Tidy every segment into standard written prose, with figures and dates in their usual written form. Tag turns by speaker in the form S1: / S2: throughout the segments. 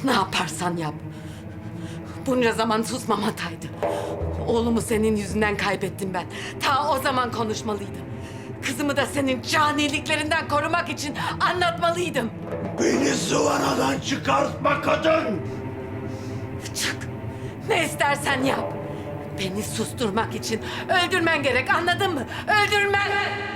S1: Ne yaparsan yap. Bunca zaman susmam hataydı. Oğlumu senin yüzünden kaybettim ben. Ta o zaman konuşmalıydım. Kızımı da senin caniliklerinden korumak için anlatmalıydım.
S2: Beni zıvanadan çıkartma kadın!
S1: Çık. Ne istersen yap. Beni susturmak için öldürmen gerek, anladın mı? Öldürmen!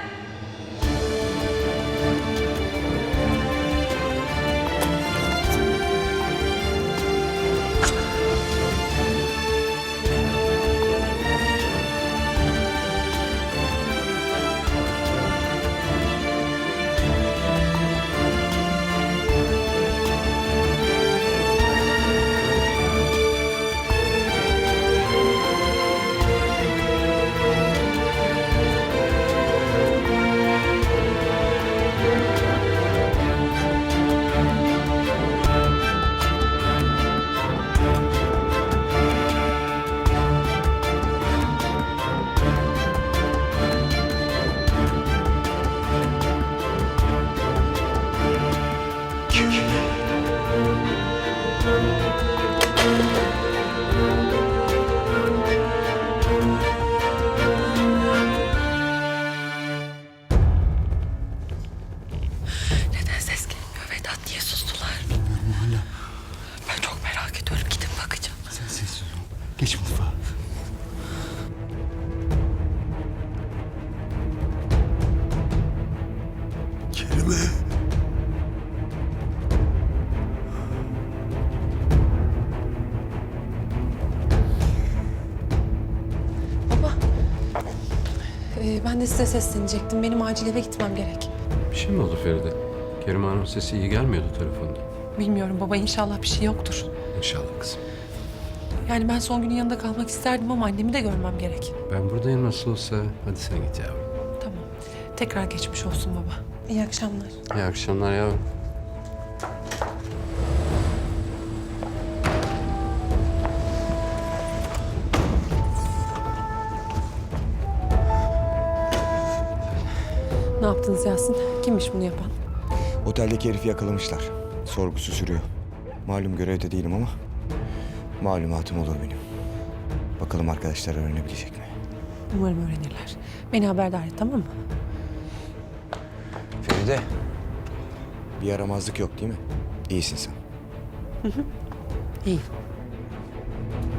S1: Neden ses gelmiyor Vedat? Niye sustular?
S3: Bilmiyorum hala.
S1: Ben çok merak ediyorum. Gidip bakacağım.
S3: Sen sessiz ol. Geç mutfağa.
S2: Kerime!
S4: Baba, ben de size seslenecektim. Benim acil eve gitmem gerek.
S5: Bir şey mi oldu Feride? Kerime Hanım sesi iyi gelmiyordu telefonda.
S4: Bilmiyorum baba, inşallah bir şey yoktur.
S5: İnşallah kızım.
S4: Yani ben son günün yanında kalmak isterdim ama annemi de görmem gerek.
S5: Ben buradayım nasıl olsa. Hadi sen git yavrum.
S4: Tamam. Tekrar geçmiş olsun baba. İyi akşamlar.
S5: İyi akşamlar yavrum.
S4: Ne yaptınız Yasin? Kimmiş bunu yapan?
S6: Oteldeki herifi yakalamışlar. Sorgusu sürüyor. Malum görevde değilim ama malumatım olur benim. Bakalım arkadaşlar öğrenebilecek mi?
S4: Umarım öğrenirler. Beni haberdar et, tamam mı?
S6: Feride. Bir yaramazlık yok değil mi? İyisin sen.
S4: İyi.